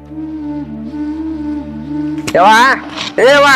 ಯವ್ವ ಏವಾ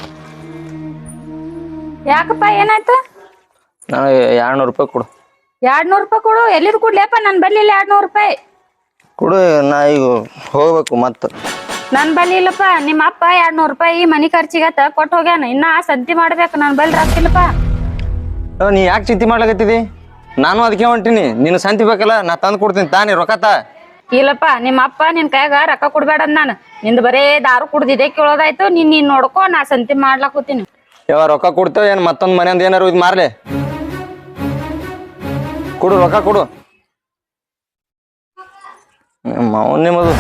ಯಾಕಪ್ಪ ಏನಾಯ್ತು? ನನಗೆ 200 ರೂಪಾಯಿ ಕೊಡು. 200 ರೂಪಾಯಿ ಕೊಡು. ಎಲ್ಲಿದ್ ಕೊಡ್ಲೇಪ್ಪ? ನನ್ ಬಲ್ಲಿ 200 ರೂಪಾಯಿ ಕೊಡು. ನಾ ಈಗ ಹೋಗ್ಬೇಕು ಮತ್ತ. ನನ್ ಬಲ್ಲಿ ಇಲ್ಲಪ್ಪ. ನಿಮ್ಮ ಅಪ್ಪ 200 ರೂಪಾಯಿ ಮನಿ ಖರ್ಚಿಗತ್ತ ಕೊಟ್ಟು ಹೋಗ್ಯಾನ. ಇನ್ನ ಸಂತಿ ಮಾಡ್ಬೇಕು. ನನ್ ಬಲ್ಲಿ ರೊಕ್ಕಿಲ್ಲಪ್ಪ. ನೀ ಯಾಕೆ ಚಿಂತೆ ಮಾಡ್ಲಾಕತ್ತಿದಿ? ನಾನು ಅದಕ್ಕೆ ಹೊಂಟೀನಿ. ನಿನ್ನ ಸಂತಿ ಬೇಕಲ್ಲ, ನಾ ತಂದು ಕೊಡ್ತೀನಿ ತಾನಿ ರೊಕ್ಕ. ಇಲ್ಲಪ್ಪ, ನಿಮ್ಮ ಅಪ್ಪ ನಿನ್ ಕೈಯಾಗ ರೊಕ್ಕ ಕೊಡ್ಬೇಡ ನಾನು. ನಿಂದ ಬರೇ ದಾರು ಕುಡ್ದಿದೆ ಕೇಳೋದಾಯ್ತು. ನೀನ್ ನೋಡ್ಕೊ, ನಾ ಸಂತಿ ಮಾಡ್ಲಾಕೋತೀನಿ. ಯಾವ ರೊಕ್ಕ ಕೊಡ್ತೇವೆ ಏನು? ಮತ್ತೊಂದು ಮನೆಯಿಂದ ಏನಾರು ಇದು ಮಾರ್ಲೆ ಕೊಡು, ರೊಕ್ಕ ಕೊಡು. ಅವನ್ ನಿಮ್ಮದು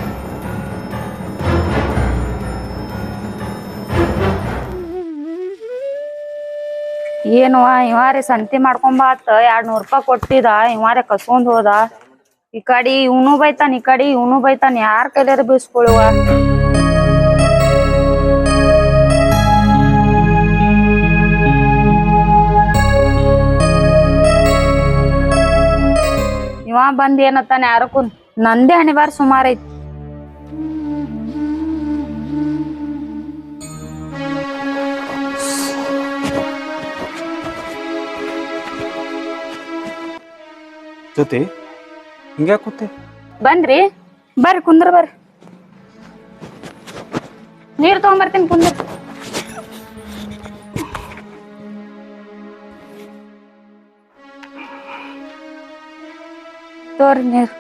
ಏನುವ ಇವಾರೆ ಸಂತಿ ಮಾಡ್ಕೊಂಬಾತ 200 ರೂಪಾಯಿ ಕೊಟ್ಟಿದ. ಇವಾರೆ ಕಸ್ಕೊಂಡ್ ಹೋದ. ಈ ಕಡೆ ಇವನು ಬೈತಾನ, ಈ ಕಡೆ ಇವನು ಬೈತಾನ. ಯಾರ ಕೈಲಾರ ಬೀಸ್ಕೊಳುವ. ಇವ ಬಂದ್ ಏನತ್ತಾನ ಯಾರಕ್ಕೂ. ನಂದೇ ಹಣಿಬಾರ ಸುಮಾರು ಐತಿ. ಜೊತೆ ಹಿಂಗ್ಯಾ ಕೂತೆ? ಬಂದ್ರಿ? ಬರ್ರಿ ಕುಂದ್ರ, ಬರ್ರಿ. ನೀರ್ ತಗೊಂಬರ್ತೀನಿ, ಕುಂದ್ರ. ತೋರಿ ನೀರ್.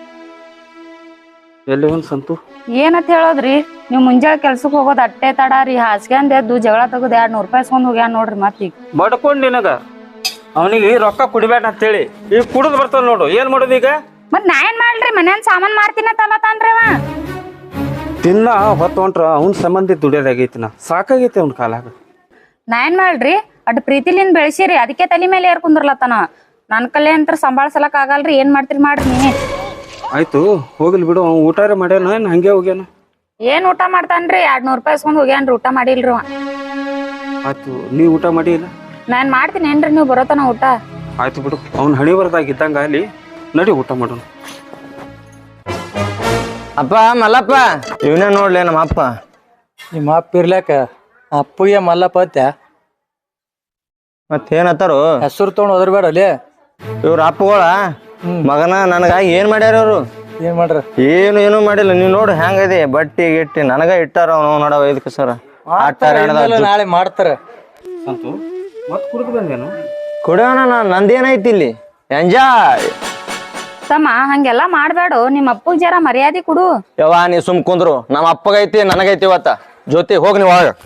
ಎಲ್ಲಿ ಒಂದ್ ಸಂತು ಏನಂತ ಹೇಳೋದ್ರಿ? ನೀವ್ ಮುಂಜಾನೆ ಕೆಲ್ಸಕ್ ಹೋಗೋದ್ ಅಟ್ಟೆ ತಡಾರಿ. ಹಾಸ್ಗ್ಯಾಂದ್ ಎದ್ದು ಜಗಳ ತಗದ್ 200 ರೂಪಾಯಿ ಇಸ್ಕೊಂಡ್ ಹೋಗ್ಯಾನ ನೋಡ್ರಿ. ಮತ್ತೀಗ ಬಡ್ಕೊಂಡ್ ನಿನಗ ಅವನಿಗೆ ರೊಕ್ಕ ಕುಡಿಬೇಡ ಅಂತೇಳಿ ಈಗ ಕುಡಿದ್ ಬರ್ತಾವ ನೋಡು. ಏನ್ ಮಾಡೋದು ಈಗ? ಮತ್ ನಾ ಏನ್ ಮಾಡ್ರಿ? ಮನ್ಯಾನ್ ಸಾಮಾನ್ ಮಾರ್ತೀನ ತಲತಾನ್ರಿ ಅವ. ತಿನ್ನ ಹೊತ್ತು ಹೊಂಟ್ರ ಅವ್ನ ಸಂಬಂಧಿ ದುಡಿಯೋದಾಗೈತಿ. ನಾ ಸಾಕಾಗೈತಿ ಅವ್ನ ಕಾಲಾಗ. ನಾ ಏನ್ ಮಾಡ್ರಿ? ಅಡ್ ಪ್ರೀತಿಲಿಂದ ಬೆಳೆಸಿರಿ, ಅದಕ್ಕೆ ತಲೆ ಮೇಲೆ ಏರ್ ಕುಂದ್ರಲತ್ತಾನ. ನನ್ ಕಲೆ ಅಂತ ಸಂಭಾಳ್ಸಲಕ್ ಆಗಲ್ರಿ. ಏನ್ ಮಾಡ್ತೀರಿ ಮಾಡ್ರಿ ನೀವೇ. ಆಯ್ತು ಹೋಗ್ಲಿ ಬಿಡು. ಅವ್ನು ಊಟಾರ ಮಾಡ್ಯಾನ ಏನ್ ಹಂಗೆ ಹೋಗ್ಯಾನ? ಏನ್ ಊಟ ಮಾಡ್ತಾನ್ರಿ? 200 ರೂಪಾಯಿ ಇಸ್ಕೊಂಡ್ ಹೋಗ್ಯಾನ್ರಿ. ಊಟ ಮಾಡಿಲ್ರಿ ಅವ. ಆಯ್ತು, ನೀ ಊಟ ಮಾಡಿ ಇಲ್ಲ? ನಾನ್ ಮಾಡ್ತೀನಿ ಏನ್ರಿ, ನೀವ್ ಬರೋತನ ಊಟ. ಆಯ್ತು ಬಿಡು. ಅವ್ನ ಹಣಿ ಬರ್ದಾಗ ಇದ್ದಂಗ ಅಲ್ಲಿ ನಡಿ ಊಟ ಮಾಡೋಣ. ಅಪ್ಪ ಮಲ್ಲಪ್ಪ, ಇವನೇ ನೋಡ್ಲಿ ನಮ್ಮ ಅಪ್ಪ. ನಿಮ್ಮ ಅಪ್ಪ ಇರ್ಲಾಕ ಅಪ್ಪಗೆ ಮಲ್ಲಪ್ಪ ಅತ್ಯ ಮತ್ತೇನತ್ತಾರು? ಹೆಸರು ತೊಗೊಂಡು ಹೋದ್ರಬೇಡ ಅಲ್ಲಿ. ಇವ್ರ ಅಪ್ಪಗಳ ಮಗನ ನನಗಾಗಿ ಏನ್ ಮಾಡ್ಯಾರ ಅವ್ರು? ಏನ್ ಮಾಡ್ರ? ಏನು ಮಾಡಿಲ್ಲ. ನೀವ್ ನೋಡು ಹೆಂಗದೆ ಬಟ್ಟಿ ಗಿಟ್ಟಿ ನನಗ ಇಟ್ಟಾರ. ಅವ್ನು ನೋಡವ ಇದಕ್ಕೆ ಸರ ನಾಳೆ ಮಾಡ್ತಾರ. ಸಂತು ಮತ್ ಕುಡಿದು ಬಂದೇನು? ಕುಡಿಯೋಣ. ನಂದೇನೈತಿ ಇಲ್ಲಿ ಎಂಜಾಯ್. ತಮ್ಮ ಹಂಗೆಲ್ಲಾ ಮಾಡ್ಬೇಡು. ನಿಮ್ಮ ಅಪ್ಪಗ್ ಜರ ಮರ್ಯಾದೆ ಕೊಡು. ಯವ್ವ ನೀ ಸುಮ್ ಕುಂದ್ರು. ನಮ್ಮ ಅಪ್ಪಗೈತಿ ನನಗೈತಿ ಇವತ್ತ. ಜೊತೆ ಹೋಗಿ ನೀವು ಒಳಗ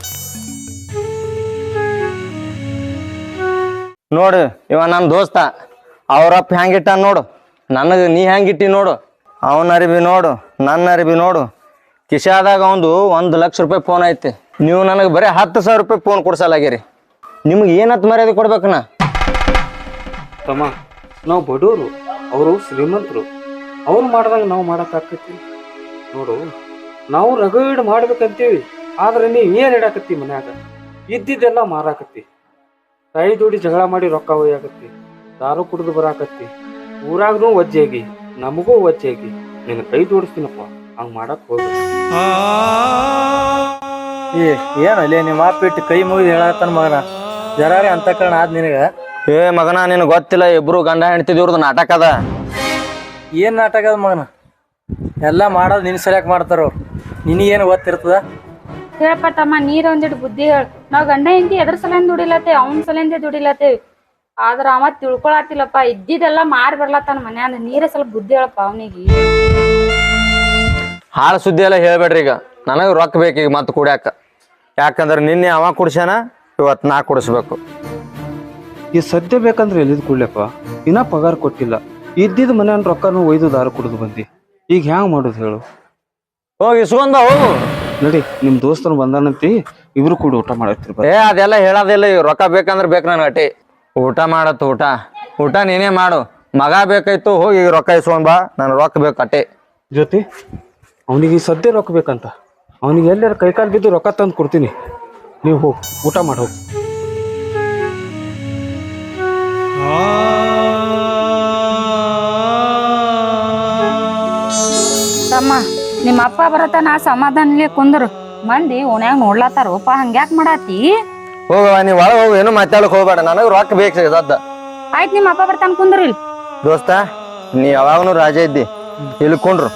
ನೋಡು. ಇವ ನನ್ನ ದೋಸ್ತ. ಅವ್ರಪ್ಪ ಹೆಂಗಿಟ್ಟ ನೋಡು. ನನಗೆ ನೀ ಹೆಂಗಿಟ್ಟಿ ನೋಡು. ಅವನ ಅರಿಬಿ ನೋಡು, ನನ್ನ ಅರಿಬಿ ನೋಡು. ಕಿಶಾದಾಗ ಒಂದು 1 ಲಕ್ಷ ರೂಪಾಯಿ ಫೋನ್ ಐತಿ. ನೀವು ನನಗೆ ಬರೀ 10,000 ರೂಪಾಯಿ ಫೋನ್ ಕೊಡ್ಸಲಾಗಿರಿ. ನಿಮ್ಗೆ ಏನತ್ ಮರ್ಯಾದೆ ಕೊಡ್ಬೇಕನ? ತಮ್ಮ ನಾವು ಬಡವರು, ಅವರು ಶ್ರೀಮಂತರು. ಅವ್ರು ಮಾಡ್ದಂಗ ನಾವು ಮಾಡಕ್ಕಾಕತಿ ನೋಡು. ನಾವು ರಗಡ್ ಮಾಡ್ಬೇಕಂತೀವಿ, ಆದ್ರೆ ನೀ ಏನ್ ಇಡಾಕತ್ತಿ ಮನ್ಯಾಗ? ಇದ್ದಿದ್ದೆಲ್ಲ ಮಾರಾಕತ್ತಿ. ಕೈ ದುಡಿ ಜಗಳ ಮಾಡಿ ರೊಕ್ಕ ಒಯ್ಯಾಕತ್ತಿ. ದಾರು ಕುಡಿದು ಬರಾಕತ್ತಿ. ಊರಾಗ್ನೂ ವಜ್ಜೆಗಿ, ನಮಗೂ ವಜ್ಜೆಗಿ. ನಿನ್ನ ಕೈ ಜೋಡಿಸ್ತೀನಪ್ಪ. ಹಂಗ್ ಮಾಡಕ್ ಹೋಗ್ಬೇಕು. ಏನಲ್ಲಿ ನಿಮ್ಮ ಅಪ್ಪ ಇಟ್ಟು ಕೈ ಮುಗಿದು ಹೇಳತ್ತಾನ ಮಗನ. ಜರಾರಿ ಅಂತ ಕಾರಣ ಆದ್ ನಿನಗ? ಏ ಮಗನ ನಿನಗೆ ಗೊತ್ತಿಲ್ಲ, ಇಬ್ರು ಗಂಡ ಹೆಂಡ್ತಿದಿವ್ರದ್ದು ನಾಟಕ ಅದ. ಏನ್ ನಾಟಕ ಅದ ಮಗನ? ಎಲ್ಲಾ ಮಾಡೋದು ನಿನ್ ಸರಿಯಾಗಿ ಮಾಡ್ತಾರ ಅವ್ರು. ನಿನಗೇನು ಗೊತ್ತಿರ್ತದ? ಹೇಳಪ್ಪ ತಮ್ಮ, ನೀರ್ ಒಂದಿಟ್ಟು ಬುದ್ಧಿ ಹೇಳ. ನಾವ್ ಗಂಡ ಹೆಂಡತಿ ಎದ್ರ ಸಲಿಂದ ದುಡಿಲತ್ತೇವ್, ಅವನ್ ಸಲಿಂದ ದುಡಿಲತ್ತೇವ್. ಆದ್ರ ಅವ ತಿಳ್ಕೊಳತಿಲ್ಲಪ್ಪ. ಇದ್ದಿದ್ದೆಲ್ಲಾ ಮಾರಿ ಬರ್ಲತ್ತಾನ ಮನ್ಯಾನ. ನೀರೇ ಸ್ವಲ್ಪ ಬುದ್ಧಿ ಹೇಳಪ್ಪ ಅವನಿಗೆ. ಹಾಳು ಸುದ್ದಿ ಎಲ್ಲ ಹೇಳ್ಬೇಡ್ರಿ. ಈಗ ನನಗೆ ರೊಕ್ಕ ಬೇಕೀಗ ಮತ್ತೆ ಕುಡ್ಯಾಕ. ಯಾಕಂದ್ರೆ ನಿನ್ನೆ ಅವ ಕುಡ್ಸ್ಯಾನ, ಇವತ್ತು ನಾ ಕುಡಿಸ್ಬೇಕು. ಈ ಸದ್ಯ ಬೇಕಂದ್ರೆ ಎಲ್ಲಿದ್ ಕೊಡ್ಲಪ್ಪ? ಇನ್ನ ಪಗಾರ ಕೊಟ್ಟಿಲ್ಲ. ಇದ್ದಿದ್ ಮನೆಯನ್ ರೊಕ್ಕನು ಒಯ್ದು ದಾರು ಕುಡಿದು ಬಂದಿ. ಈಗ ಹ್ಯಾಂಗ ಮಾಡುದು ಹೇಳು? ಹೋಗಿ ಇಸ್ಕೊಂಡ ಹೋಗು. ನಡಿ, ನಿಮ್ ದೋಸ್ತರು ಬಂದಾನಂತಿ, ಇಬ್ರು ಕೂಡ ಊಟ ಮಾಡತ್ತಿರ್. ಏ ಅದೆಲ್ಲ ಹೇಳೋದಿಲ್ಲ. ಈಗ ರೊಕ್ಕ ಬೇಕಂದ್ರೆ ಬೇಕು ನನ್ ಅಟ್ಟಿ. ಊಟ ಮಾಡತ್ತು. ಊಟ ನೀನೇ ಮಾಡು. ಮಗ ಬೇಕಾಯ್ತು, ಹೋಗಿ ಈಗ ರೊಕ್ಕ ಇಸ್ಕೊಂಡ್ ಬಾ. ನನ್ ರೊಕ್ಕ ಬೇಕು ಅಟ್ಟೆ. ಜೊತೆ ಅವನಿಗೆ ಈ ಸದ್ಯ ರೊಕ್ಕ ಬೇಕಂತ. ಅವನಿಗೆ ಎಲ್ಲಾರ ಕೈಕಾಲು ಬಿದ್ದು ರೊಕ್ಕ ತಂದು ಕೊಡ್ತೀನಿ. ನೀವು ಹೋಗಿ ಊಟ ಮಾಡಿ ಹೋಗಿ. ತಮ್ಮ ನಿಮ್ಮ ಅಪ್ಪ ಬರತನ ಸಮಾಧಾನಲಿ ಕುಂದ್ರು ಮಂದಿ ಓನ್ಯಾಗ ನೋಡ್ಲತ್ತಾರೋಪ ಹಂಗ್ಯಾಕ್ ಮಾಡಾತಿ ಹೋಗವ ನೀ ಒಳಗೆ ಹೋಗು, ಏನು ಮಾತಾಡಕ್ ಹೋಗ್ಬೇಡ, ನನಗೆ ರೊಕ್ಕ ಬೇಕು ಸದ್ದ. ಆಯ್ತ್ ನಿಮ್ಮ ಅಪ್ಪ ಬರ್ತಾನ ಕುಂದ್ರು ಇಲ್ಲಿ. ದೋಸ್ತ ನೀ ಯಾವಾಗನು ರಾಜ ಇದ್ದಿ, ಇಲ್ಲಿ ಕುಂಡ್ರು.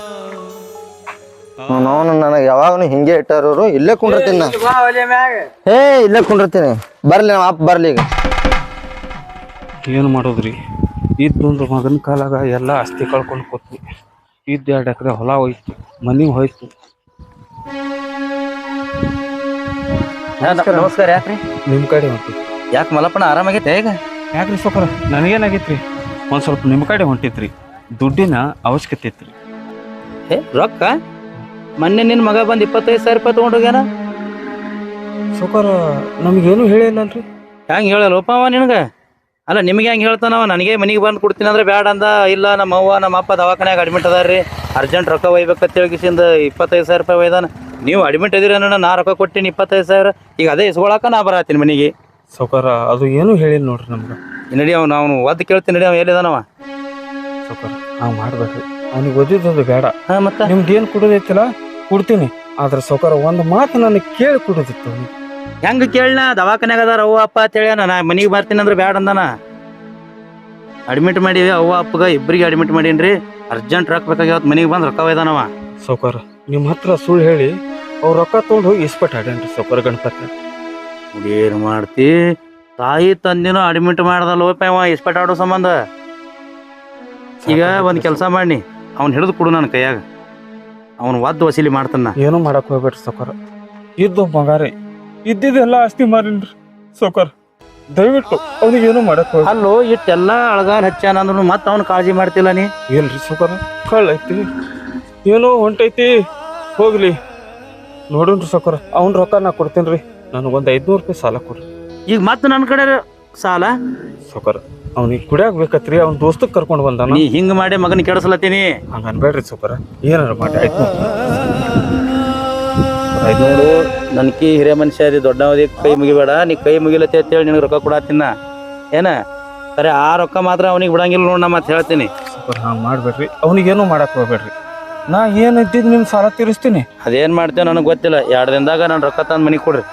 ನಾನು ನನಗೆ ಯಾವಾಗನು ಹಿಂಗೆ ಇಟ್ಟಾರೋರು, ಇಲ್ಲೇ ಕುಂಡಿರ್ತೀನಿ ನಾ. ಇಲ್ಲೇ ಕುಂಡಿರ್ತೀನಿ. ಬರ್ಲಿ ನಮ್ಮ ಅಪ್ಪ ಬರ್ಲಿ ಈಗ. ಏನು ಮಾಡೋದ್ರಿ, ಇದ್ದೊಂದು ಮಗನ ಕಾಲಾಗ ಎಲ್ಲ ಆಸ್ತಿ ಕಳ್ಕೊಂಡು ಕೂತ್ವಿ. ಇದ್ದು 2 ಎಕರೆ ಹೊಲ ಹೋಯ್ತು, ಮನೆ ಹೋಯ್ತು. ನಮಸ್ಕಾರ. ಯಾಕ್ರಿ ನಿಮ್ಮ ಕಡೆ ಹೊಂಟಿತ್ತು. ಯಾಕೆ ಮಲಪ್ಪನ ಆರಾಮಾಗೈತೆ ಈಗ? ಯಾಕ್ರಿ ಸೊಕರ ನನಗೇನಾಗೈತ್ರಿ, ಒಂದು ಸ್ವಲ್ಪ ನಿಮ್ಮ ಕಡೆ ಹೊಂಟಿತ್ರಿ. ದುಡ್ಡಿನ ಅವಶ್ಯಕತೆ ಇತ್ರಿ. ರೊಕ್ಕ ಮೊನ್ನೆ ನಿನ್ನ ಮಗ ಬಂದು 25,000 ರೂಪಾಯಿ ತೊಗೊಂಡೋಗ್ಯಾನ. ಸೊಕರ ನಮಗೇನು ಹೇಳಿಲ್ಲಲ್ರಿ. ಹೆಂಗೆ ಹೇಳಲ್ಲಪ್ಪ ಅವ ನಿನಗೆ? ಅಲ್ಲ ನಿಮಗೆ ಹೆಂಗೆ ಹೇಳ್ತಾನವ? ನನಗೆ ಮನೆಗೆ ಬಂದು ಕೊಡ್ತೀನಿ ಅಂದ್ರೆ ಬ್ಯಾಡ ಅಂದ. ಇಲ್ಲ ನಮ್ಮ ಅವ್ವ ನಮ್ಮ ಅಪ್ಪ ದವಾಖಾನ್ಯಾಗ ಅಡ್ಮಿಟ್ ಅದಾರ್ರಿ, ಅರ್ಜೆಂಟ್ ರೊಕ್ಕ ಒಯ್ಬೇಕಂತ ಹೇಳಿಕಿಸಿಂದ 25,000 ರೂಪಾಯಿ ಒಯ್ದಾನ. ನೀವು ಅಡ್ಮಿಟ್ ಇದೀರ ಅನ್ನೋಣ, ನಾ ರೊಕ್ಕ ಕೊಟ್ಟಿನಿ 25,000. ಈಗ ಅದೇ ಇಸ್ಕೊಳಕ ನಾ ಬರತ್ತೀನಿ ಮನೆಗೆ. ಸೊಕರ ಅದು ಏನು ಹೇಳಿಲ್ಲ ನೋಡ್ರಿ ನಮ್ಗೆ. ನಡಿ ಅವ್ನು ಒದ್ದು ಕೇಳ್ತೀನಿ, ನಡಿ ಅವ ಎಲ್ಲಿದಾನವ? ಸೊಕರ ನಾವು ಮಾಡ್ಬೇಡ್ರಿ, ಅವ್ನಿಗೆ ಓದಿದ್ದು ಬೇಡ. ಹಾಂ ಮತ್ತೆ ನಿಮ್ದು ಏನು ಕೊಡೋದೈತಿಲ್ಲ ಕೊಡ್ತೀನಿ, ಆದ್ರೆ ಸೊಕರ ಒಂದು ಮಾತು ನನಗೆ ಕೇಳಿ ಕೊಡೋದಿತ್ತು. ಹೆಂಗೆ ಕೇಳಣ? ದವಾಖಾನ್ಯಾಗ ಅದಾರ ಅವ್ವ ಅಪ್ಪ ಅಂತ ಹೇಳ್ಯಾನ. ನಾ ಮನೆಗೆ ಬರ್ತೀನಿ ಅಂದ್ರೆ ಬ್ಯಾಡ ಅಂದಾನ. ಅಡ್ಮಿಟ್ ಮಾಡೀವಿ, ಅವ್ವ ಅಪ್ಪಗ ಇಬ್ಬರಿಗೆ ಅಡ್ಮಿಟ್ ಮಾಡೀನ್ರಿ. ಅರ್ಜೆಂಟ್ ರೊಕ್ಕ ಬೇಕಾಗ್ಯಾವತ್ತು, ಮನೆಗೆ ಬಂದು ರೊಕ್ಕ ಒಯ್ದಾನವ. ಸೌಕರ್ ನಿಮ್ಮ ಹತ್ರ ಸುಳ್ಳು ಹೇಳಿ ಅವ್ರು ರೊಕ್ಕ ತೊಗೊಂಡು ಹೋಗಿ ಇಸ್ಪಟ್ ಆಡ್ಯಾನ್ರಿ ಸೌಕರ್ ಗಣಪತಿ. ಏನು ಮಾಡ್ತಿ? ತಾಯಿ ತಂದಿನೂ ಅಡ್ಮಿಟ್ ಮಾಡ್ದಲ್ಲೋಪ ಅವ ಇಸ್ಪಟ್ ಆಡೋ ಸಂಬಂಧ. ಈಗ ಒಂದು ಕೆಲಸ ಮಾಡಿ ಅವ್ನು ಹಿಡಿದು ಕೊಡು ನನ್ನ ಕೈಯಾಗ, ಅವನು ಒದ್ದು ವಸೂಲಿ ಮಾಡ್ತಾನ. ಏನೂ ಮಾಡಕ್ ಹೋಗ್ಬೇಡ್ರಿ ಸೌಕರ್, ಇದ್ದು ಮಗಾರಿ ಇದ್ದಿದ್ದೆಲ್ಲ ಆಸ್ತಿ ಮಾರಿನ್ರಿ ಸೌಕರ್. ದಯವಿಟ್ಟು ಅವ್ನಿಗೆ ಏನೂ ಮಾಡಕ್ ಹೋಗಿ. ಅಲ್ಲೋ ಇಟ್ಟೆಲ್ಲ ಅಳಗಾಲ್ ಹಚ್ಚಾನ ಅಂದ್ರು ಮತ್ತೆ ಅವ್ನು ಕಾಳಜಿ ಮಾಡ್ತಿಲ್ಲ ನೀ? ಇಲ್ರಿ ಸೌಕರ್, ಕಳ್ಳೈತಿ ಏನೋ ಹೊಂಟೈತಿ, ಹೋಗ್ಲಿ ನೋಡೋಣ್ರಿ ಸೌಕರ್. ಅವ್ನ ರೊಕ್ಕ ನಾ ಕೊಡ್ತೇನ್ರಿ, ನನಗೊಂದು 500 ರೂಪಾಯಿ ಸಾಲ ಕೊಡ್ರಿ. ಈಗ ಮತ್ತೆ ನನ್ನ ಕಡೆ ಸಾಲ? ಸೌಕರ್ ಅವ್ನಿಗೆ ಕುಡಿಯಾಕ ಬೇಕತ್ರಿ, ಅವ್ನ ದೋಸ್ತಕ್ ಕರ್ಕೊಂಡು ಬಂದಾನ. ನೀ ಹಿಂಗೆ ಮಾಡಿ ಮಗನ ಕೆಡಿಸ್ಲತ್ತೀನಿ. ಹಂಗ ಅನ್ಬೇಡ್ರಿ ಸೌಕರ್, ಏನಾರ ಮಾಡಿ. 500 ನನ್ಕಿ ಹಿರಿಯ ಮನುಷ್ಯ ಅದಿ, ದೊಡ್ಡವದಿ, ಕೈ ಮುಗಿಬೇಡ. ನೀ ಕೈ ಮುಗಿಲತ್ತೆ ಅಂತೇಳಿ ನಿನಗೆ ರೊಕ್ಕ ಕೊಡತ್ತಿನ ಏನ? ಸರಿ, ಆ ರೊಕ್ಕ ಮಾತ್ರ ಅವನಿಗೆ ಬಿಡಂಗಿಲ್ಲ ನೋಡ್. ನಾ ಮತ್ತೆ ಹೇಳ್ತೀನಿ ಸೌಕರ್, ಹಂಗೆ ಮಾಡ್ಬೇಡ್ರಿ, ಅವ್ನಿಗೇನು ಮಾಡಕ್ ಹೋಗ್ಬೇಡ್ರಿ. ನಾ ಏನು ಇದ್ದಿದ್ದು ನಿಮ್ಮ ಸಾಲ ತೀರಿಸ್ತೀನಿ. ಅದೇನ್ ಮಾಡ್ತೇವೆ ನನಗೆ ಗೊತ್ತಿಲ್ಲ. 2 ದಿನದಾಗ ನಾನು ರೊಕ್ಕ ತಂದು ಮನೆಗೆ ಕೊಡ್ರಿ.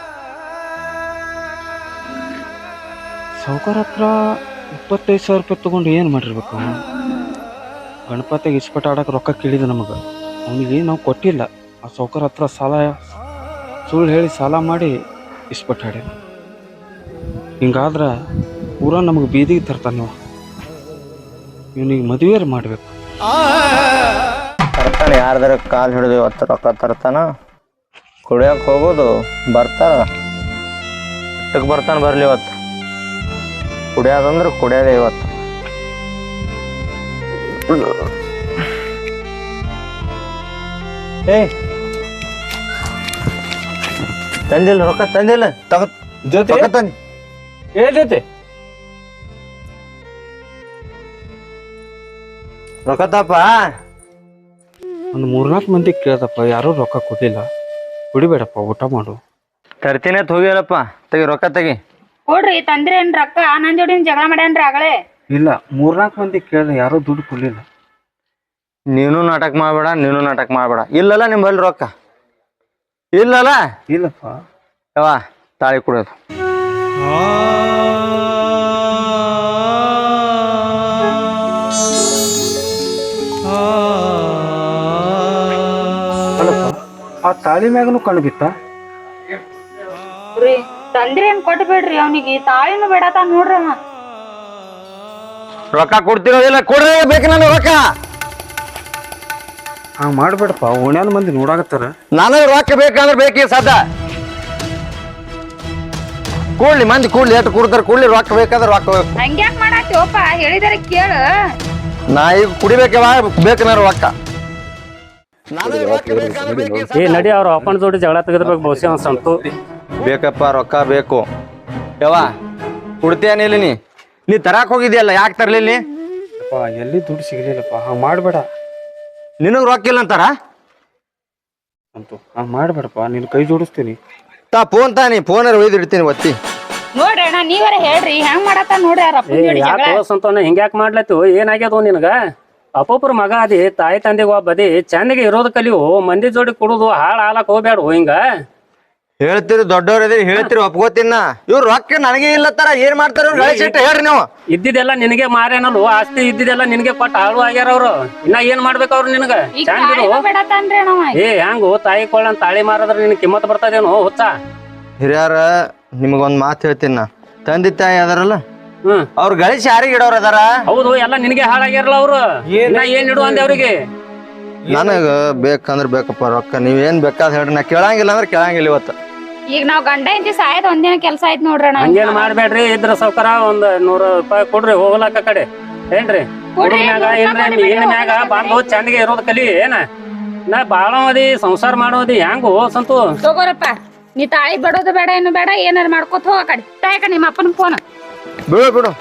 ಸೌಕರ್ ಹತ್ರ 25,000 ರೂಪಾಯಿ ತೊಗೊಂಡು ಏನು ಮಾಡಿರ್ಬೇಕು? ಗಣಪತಿಗೆ ಇಸ್ಪಟ್ ಆಡಕ್ಕೆ ರೊಕ್ಕ ಕೇಳಿದ ನಮಗೆ, ಅವನಿಗೆ ನಾವು ಕೊಟ್ಟಿಲ್ಲ. ಆ ಸೌಕರ್ ಹತ್ರ ಸುಳ್ಳು ಹೇಳಿ ಸಾಲ ಮಾಡಿ ಇಸ್ಪಟ್ ಆಡಿ. ಹಿಂಗಾದ್ರೆ ಪೂರಾ ನಮಗೆ ಬೀದಿಗೆ ತರ್ತಾನೆ ನೀವು. ಇವನಿಗೆ ಮದುವೆ ಮಾಡಬೇಕು. ತರ್ತಾನೆ, ಯಾರ್ದಾರ ಕಾಲು ಹಿಡಿದು ಇವತ್ತು ರೊಕ್ಕ ತರ್ತಾನ. ಕುಡಿಯಕ್ಕೆ ಹೋಗೋದು ಬರ್ತಾರ, ಇಟ್ಟಕ್ಕೆ ಬರ್ತಾನೆ. ಬರ್ಲಿ ಇವತ್ತು ಕುಡಿಯೋದಂದ್ರೆ ಕುಡಿಯೋದೇ ಇವತ್ತು. ತಂದಿಲ್ಲ ರೊಕ್ಕ, ತಂದಿಲ್ಲ ಜೊತೆ ತಂದಿ ಜೊತೆ ರೊಕ್ಕ ತಪ್ಪ. ಒಂದು 3-4 ಮಂದಿ ಕೇಳ್ದಪ್ಪ, ಯಾರೂ ರೊಕ್ಕ ಕೊಡಲಿಲ್ಲ. ಕುಡಿಬೇಡಪ್ಪ, ಊಟ ಮಾಡು. ತರ್ತೀನಿ ಅಂತ ಹೋಗ್ಯಾರಪ್ಪ. ತೆಗಿ ರೊಕ್ಕ ತೆಗಿ. ಕೊಡ್ರಿ ತಂದ್ರೇನ್ ರೊಕ್ಕ? ನನ್ ಜೋಡಿ ಜಗಳ ಮಾಡ್ಯಾನ್ರಿ ಆಗಲೇ. ಇಲ್ಲ, 3-4 ಮಂದಿ ಕೇಳ್ದೆ, ಯಾರೂ ದುಡ್ಡು ಕೊಡಲಿಲ್ಲ. ನೀನು ನಾಟಕ ಮಾಡಬೇಡ, ನೀನು ನಾಟಕ ಮಾಡಬೇಡ. ಇಲ್ಲಲ್ಲ ನಿಮ್ಮಲ್ಲಿ ರೊಕ್ಕ ಇಲ್ಲಲ್ಲ? ಇಲ್ಲಪ್ಪ. ಯಾವ ತಾಳಿ ಕುಡಿಯೋದು. ಅಲ್ಲಪ್ಪ, ಆ ತಾಳಿ ಮ್ಯಾಗನು ಕಣ್ಣು ಬಿತ್ತ. ತಂದ್ರೇನ್ ಕೊಟ್ಬಿಡ್ರಿ ಅವನಿಗೆ, ತಾಳಿನೂ ಬೇಡತ ನೋಡ್ರಿ ಅವ. ರೊಕ್ಕ ಕೊಡ್ತಿರೋದಿಲ್ಲ, ಕೊಡ್ರಿ ಬೇಕು ನನಗೆ ರೊಕ್ಕ. ಹಂಗೆ ಮಾಡ್ಬೇಡಪ್ಪ, ಓಣ್ಯಾನ ಮಂದಿ ನೋಡಾಕತ್ತಾರ. ನನಗೆ ರೊಕ್ಕ ಬೇಕಂದ್ರೆ ಬೇಕೀಗ ಸದ್ದ. ಕೂಡ್ಲಿ ಮಂದಿ ಕೂಡ್ಲಿ, ಎಷ್ಟು ಕೊಡ್ತಾರೆ ಕೂಡ್ಲಿ. ರೊಕ್ಕ ಬೇಕಾದ್ರೆ ರೊಕ್ಕ ಬೇಕು. ಹಂಗ್ಯಾಕ್ ಮಾಡಾತಿವಪ್ಪ, ಹೇಳಿದಾರೆ ಕೇಳು. ನಾ ಈಗ ಕುಡಿಬೇಕವ, ಬೇಕು ನಾನು ರೊಕ್ಕ. ನನಗೆ ರೊಕ್ಕ ಬೇಕಂದ್ರೆ ಬೇಕೀಗ ಸದ್ದ. ನಡಿ ಅವ್ರ ಅಪ್ಪನ ಜೋಡಿ ಜಗಳ ತೆಗೆದ್ಬೇಕು ಬಹುಶಃ ಒಂದು ಸಂತು. ಬೇಕಪ್ಪ, ರೊಕ್ಕ ಬೇಕು. ಯವ್ವ ಕುಡ್ತೇನಿಲ್ಲ ನೀ ತರಾಕ್ ಹೋಗಿದ್ಯಲ್ಲ, ಯಾಕೆ ತರ್ಲಿಲ್ಲ? ಎಲ್ಲಿ ದುಡ್ಡು ಸಿಗಲಿಲ್ಲಪ್ಪ. ಹಂಗೆ ಮಾಡಬೇಡ. ನಿನಗೆ ರೊಕ್ಕ ಇಲ್ಲ ಅಂತಾರ ಅಂತೂ ಹಂಗೆ ಮಾಡಬೇಡಪ್ಪ, ನಿನ್ನ ಕೈ ಜೋಡಿಸ್ತೀನಿ. ಫೋನ್ ತಾನಿ, ಫೋನರ್ ಒಯ್ದು ಇಡ್ತೀನಿ ಒತ್ತಿ. ನೋಡ್ರಿ ಅಣ್ಣ, ನೀವರ ಹೇಳ್ರಿ ಹೆಂಗ್ ಮಾಡತ್ತ ನೋಡ್ರಿ ಅವ್ರ ಅಪ್ಪನ ಜೋಡಿ ಜಗಳ. ಯಾಕೆ ಸಂತೋನ ಹಿಂಗ್ಯಾಕ್ ಮಾಡ್ಲತ್ತು? ಏನಾಗ್ಯದ ನಿನಗ? ಅಪ್ಪೊಬ್ರ ಮಗ ಅದಿ ತಾಯಿ ತಂದೆಗೆ ಒಬ್ಬದಿ ಚಂದಗೆ ಇರೋದ್ ಕಲಿಯು ಮಂದಿ ಜೋಡಿ ಕುಡುದು ಹಾಳ್ ಹಾಲಕ್ ಹೋಗ್ಬೇಡ ಹಿಂಗ ಹೇಳ್ತೀರಿ ದೊಡ್ಡವ್ರದಿ ಹೇಳ್ತೀರಿ ಒಪ್ಕೋತೀನ ಇವ್ರು ರೊಕ್ಕ ನನಗೆ ಇಲ್ಲತ್ತಾರ ಏನ್ ಮಾಡ್ತಾರ ಇವ್ರು ಗಳಿಸಿಟ್ಟು ಹೇಳ್ರಿ ನೀವು. ಇದ್ದಿದ್ದೆಲ್ಲ ನಿನಗೆ ಮಾರೇನಲ್ವ ಆಸ್ತಿ ಇದ್ದಿದ್ದೆಲ್ಲ ನಿನಗೆ ಕೊಟ್ಟ ಹಾಳು ಆಗ್ಯಾರ ಅವ್ರು ಇನ್ನ ಏನ್ ಮಾಡ್ಬೇಕು ಅವ್ರು ನಿನಗ ಈಗ ಚಂದಿರು ತಾಳಿನೂ ಬೇಡತಾನ್ರಿ ಅಣ್ಣವ. ಏ ಹೆಂಗು ತಾಯಿ ಕೊಳ್ಳನ್ ತಾಳಿ ಮಾರದ್ರ ನಿನ್ ಕಿಮ್ಮತ್ ಬರ್ತದೇನೋ ಹುಚ್ಚ ಹಿರಿಯರ ನಿಮಗೊಂದ್ ಮಾತು ಹೇಳ್ತೀನಿ ನಾ. ತಂದೆ ತಾಯಿ ಅದಾರಲ್ಲ ಹ್ಮ್ ಅವ್ರ ಗಳಿಸಿ ಯಾರಿಗೆ ಇಡೋರ್ ಅದಾರ? ಹೌದು ಎಲ್ಲ ನಿನಗೆ ಹಾಳಾಗ್ಯಾರಲ್ಲ ಅವ್ರು ಇನ್ನ ಏನ್ ಇಡು ಅಂದೆ ಅವ್ರಿಗೆ ನನಗ ಬೇಕಂದ್ರ ಬೇಕಪ್ಪ ರೊಕ್ಕ ನೀವೇನ್ ಬೇಕಾದ್ ಹೇಳ್ರಿ ನಾ ಕೇಳಂಗಿಲ್ಲ ಅಂದ್ರೆ ಕೇಳಂಗಿಲ್ಲ ಇವತ್ತು. ಈಗ ನಾವ್ ಗಂಡ ಹೆಂಡತಿ ಸಾಯದ್ ಒಂದಿನ ಕೆಲ್ಸ ಆಯ್ತು ನೋಡ್ರಿ ಅಣ್ಣ. ಹಂಗೇನ್ ಮಾಡ್ಬೇಡ್ರಿ ಇದ್ರ ಸೌಕರ ಒಂದ್ 100 ರೂಪಾಯಿ ಕೊಡ್ರಿ ಹೋಗ್ಲಾಕ ಕಡೆ ಏನ್ರಿ ಹುಡುಗ ಮ್ಯಾಗ ಏನ್ರಿ ಹೆಣ್ಣ ಮ್ಯಾಗ ಬಂದು ಚಂದಗೆ ಇರೋದ್ ಕಲಿ ಏನ ನಾ ಬಾಳ ಮದಿ ಸಂಸಾರ ಮಾಡೋದಿ ಹೆಂಗು ಸಂತು ತಗೋರಪ್ಪ ನೀ ತಾಳಿ ಬಿಡೋದು ಬೇಡ ಏನು ಬೇಡ ಏನಾರ ಮಾಡ್ಕೊತ ಹೋಗ ಕಡೆ ತಾಯಕ ನಿಮ್ಮ ಅಪ್ಪನ ಫೋನ್ ಬಿಡು ಬಿಡು.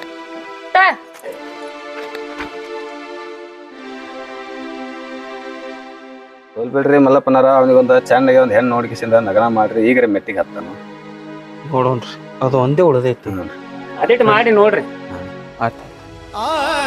ಬಿಡ್ರಿ ಮಲ್ಲಪ್ಪನಾರ ಅವನಿಗೊಂದು ಚಂದಗೆ ಒಂದು ಹೆಣ್ಣು ನೋಡ್ಕಿಸಿಂದ ನಗನ ಮಾಡ್ರಿ ಈಗ್ರೆ ಮೆಟ್ಟಿಗೆ ಹತ್ತಾನು ನೋಡೋಣ್ರಿ ಅದು ಒಂದೇ ಉಳ್ದೈತಿ. ಅದಿಟ್ಟು ಮಾಡಿ ನೋಡ್ರಿ ಆಯ್ತು